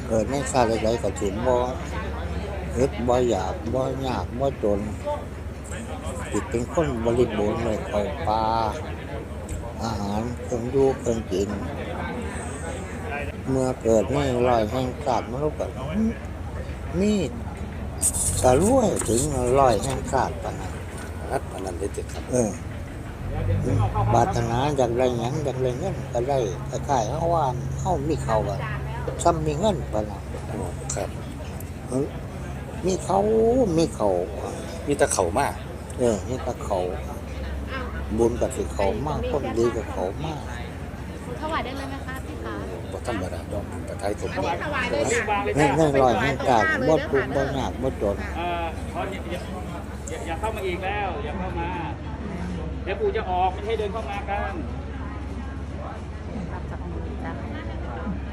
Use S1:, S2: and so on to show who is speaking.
S1: เกิดในชาติใดๆก็ถึงบ่อึดบ่อยากบ่ยากบ่จนจิตเป็นคนบริบูรณ์เลยเข้าป่าอาหารเครื่องอยู่เครื่องกินเมื่อเกิดในรอยแห่งศาสตร์มนุษย์ก็มีกระรวยถึงรอยแห่งศาสตร์ปานนั้น
S2: รัฐพนันได้เจ็ดครับ
S1: ปรารถนาอยากได้หยังอยากได้เงินก็ได้คล้ายๆเฮาว่าเฮามีเขาก็ซ้ำมีเงินปานนั้น
S2: อ๋อครับ
S1: เออมีเขามีเขา
S2: มีแตะเข่ามาก
S1: นี่ก็เขาบุญกับสิเขามากคนดีกับเขามาก
S3: ถวายได้เลยไหมคะพี่คะ
S2: บ่ธรรมดาดอกแต่ไทยผม
S3: ถวายเลยค่ะ
S1: ในรอยแห่งการบ่ทุกข์บ่ยากบ่จน
S4: เพราะอย่าเข้ามาอีกแล้ว อย่าเข้ามา เดี๋ยวปู่จะออกไม่ให้เดินเข้ามากัน